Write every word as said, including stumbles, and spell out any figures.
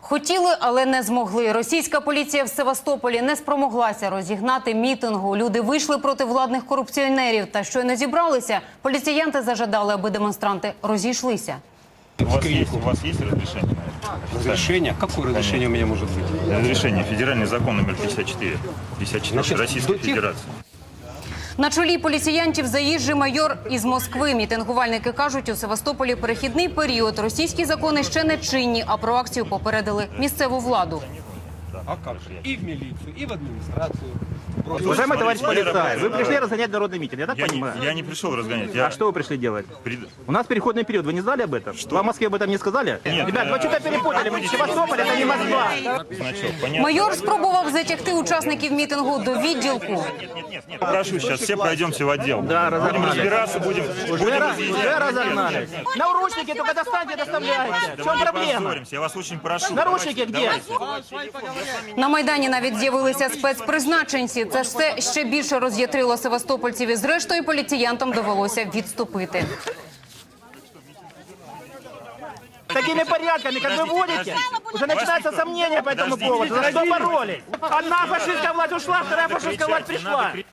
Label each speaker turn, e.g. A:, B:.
A: Хотіли, але не змогли. Російська поліція в Севастополі не спромоглася розігнати мітингу. Люди вийшли проти владних корупціонерів. Та щойно зібралися, поліціянти зажадали, аби демонстранти розійшлися.
B: У вас есть, у вас есть разрешение на это?
C: Разрешение? Какое разрешение у меня может быть?
B: Разрешение. Федеральный закон номер пятьдесят четыре. пятьдесят четыре
C: Значит,
B: Российской
C: до тех-
B: Федерации.
A: На чолі поліціянтів заїжджий майор із Москви. Мітингувальники кажуть, у Севастополі перехідний період. Російські закони ще не чинні, а про акцію попередили місцеву владу.
C: А как же? И в милицию, и в администрацию.
D: Уважаемый товарищ
B: Смотрите,
D: полицай, вы
B: э,
D: пришли разгонять народный митинг, я так
B: Я не,
D: понимаю?
B: я не пришел разгонять. Я...
D: А что вы пришли делать?
B: Пред-
D: У нас переходный период, вы не знали об этом?
B: Что?
D: Вам в Москве об этом не сказали?
B: Нет,
D: Ребят,
B: э,
D: вы что-то перепутали, мы Севастополь, это не Москва.
B: Значок, понятно.
A: Майор спробував затягти учасників мітингу до відділку.
B: Нет, нет, нет, нет. Прошу, сейчас все пройдемся в отдел.
D: Да,
B: будем
D: разогнали.
B: разбираться, будем...
D: Уже,
B: будем
D: раз-
B: разъяснять.
D: уже разогнались. Наручники только достаньте, доставляйте. В чем
B: Давайте
D: проблема?
B: поссоримся, я вас очень прошу.
D: Наручники
B: Давайте,
D: где?
B: давайте.
A: На Майдані навіть з'явилися спецпризначенці. Це ж все ще більше роз'ятрило севастопольців, і зрештою поліціянтам довелося відступити.
D: Такими порядками, как вы
B: Подождите,
D: водите,
B: подождите.
D: уже начинаются
B: Вас никто-
D: сомнения по этому
B: Подождите,
D: поводу. За что
B: подождите.
D: боролись? Одна фашистская власть ушла, вторая фашистская власть
B: Кричать, не
D: пришла.
B: надо кричать.